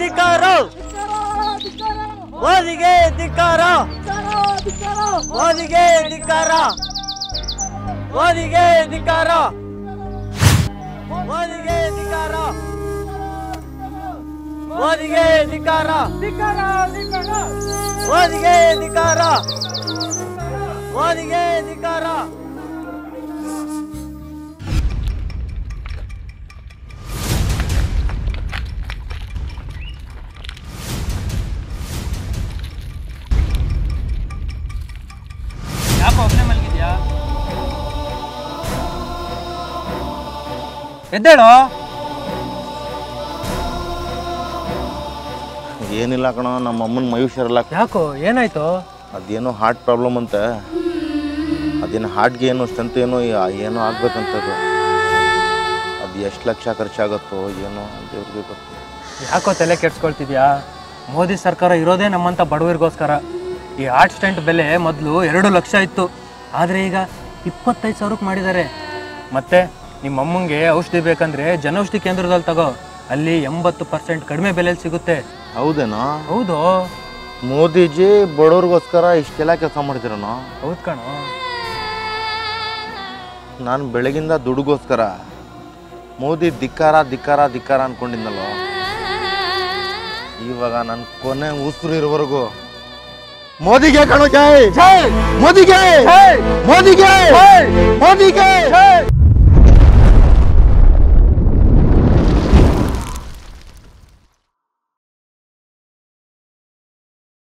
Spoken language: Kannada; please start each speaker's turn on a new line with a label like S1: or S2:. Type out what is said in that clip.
S1: ಧಿಕ್ಕಾರ ಮೋದಿಗೆ ಧಿಕ್ಕಾರ ಮೋದಿಗೆ ಧಿಕ್ಕಾರ ಮೋದಿಗೆ ಧಿಕ್ಕಾರ ಮೋದಿಗೆ ಧಿಕ್ಕಾರ ಮೋದಿಗೆ ಧಿಕ್ಕಾರ ಮೋದಿಗೆ ಧಿಕ್ಕಾರ ಮೋದಿಗೆ ಧಿಕ್ಕಾರ
S2: ಯಾಕೋ ಒಬ್ಬನೇ ಮಲಗಿದ್ಯಾ? ಎದ್ದೇಳೋ.
S3: ಏನಿಲ್ಲ ಕಣ, ನಮ್ಮ ಅಮ್ಮನ ಮೈ ಹುಷಾರಿಲ್ಲ.
S2: ಯಾಕೋ ಏನಾಯ್ತು?
S3: ಅದೇನೋ ಹಾರ್ಟ್ ಪ್ರಾಬ್ಲಮ್ ಅಂತ. ಅದೇನು ಹಾರ್ಟ್ಗೆ ಏನೋ ಸ್ಟ್ರೆಂತ್ ಏನೋ ಆಗ್ಬೇಕಂತದು. ಅದು ಎಷ್ಟು ಲಕ್ಷ ಖರ್ಚಾಗತ್ತೋ ಏನೋ ದೇವ್ರಿಗೆ ಗೊತ್ತು.
S2: ಯಾಕೋ ತಲೆ ಕೆಡ್ಸ್ಕೊಳ್ತಿದ್ಯಾ? ಮೋದಿ ಸರ್ಕಾರ ಇರೋದೇ ನಮ್ಮಂಥ ಬಡವರಿಗೋಸ್ಕರ. ಈ ಹಾರ್ಟ್ ಸ್ಟೆಂಟ್ ಬೆಲೆ ಮೊದಲು 2 ಲಕ್ಷ ಇತ್ತು, ಆದರೆ ಈಗ 25,000ಕ್ಕೆ ಮಾಡಿದ್ದಾರೆ. ಮತ್ತೆ ನಿಮ್ಮ ಅಮ್ಮಂಗೆ ಔಷಧಿ ಬೇಕಂದ್ರೆ ಜನೌಷಧಿ ಕೇಂದ್ರದಲ್ಲಿ ತಗೋ, ಅಲ್ಲಿ 80% ಕಡಿಮೆ ಬೆಲೆಯಲ್ಲಿ ಸಿಗುತ್ತೆ.
S3: ಹೌದೇನೋ?
S2: ಹೌದು.
S3: ಮೋದಿಜಿ ಬಡವ್ರಿಗೋಸ್ಕರ ಇಷ್ಟೆಲ್ಲ ಕೆಲಸ ಮಾಡ್ತಿರೋನು?
S2: ಹೌದು ಕಣೋ.
S3: ನಾನು ಬೆಳಗಿಂದ ದುಡ್ಗೋಸ್ಕರ ಮೋದಿ ಧಿಕ್ಕಾರ ಧಿಕ್ಕಾರ ಧಿಕ್ಕಾರ ಅನ್ಕೊಂಡಿದ್ನಲ್ವ. ಇವಾಗ ನನ್ನ ಕೊನೆ ಉಸಿರು ಇರೋವರೆಗೂ ಮೋದಿಗೆ ಕಣೋ ಜೈ, ಮೋದಿಗೆ, ಮೋದಿಗೆ, ಮೋದಿಗೆ.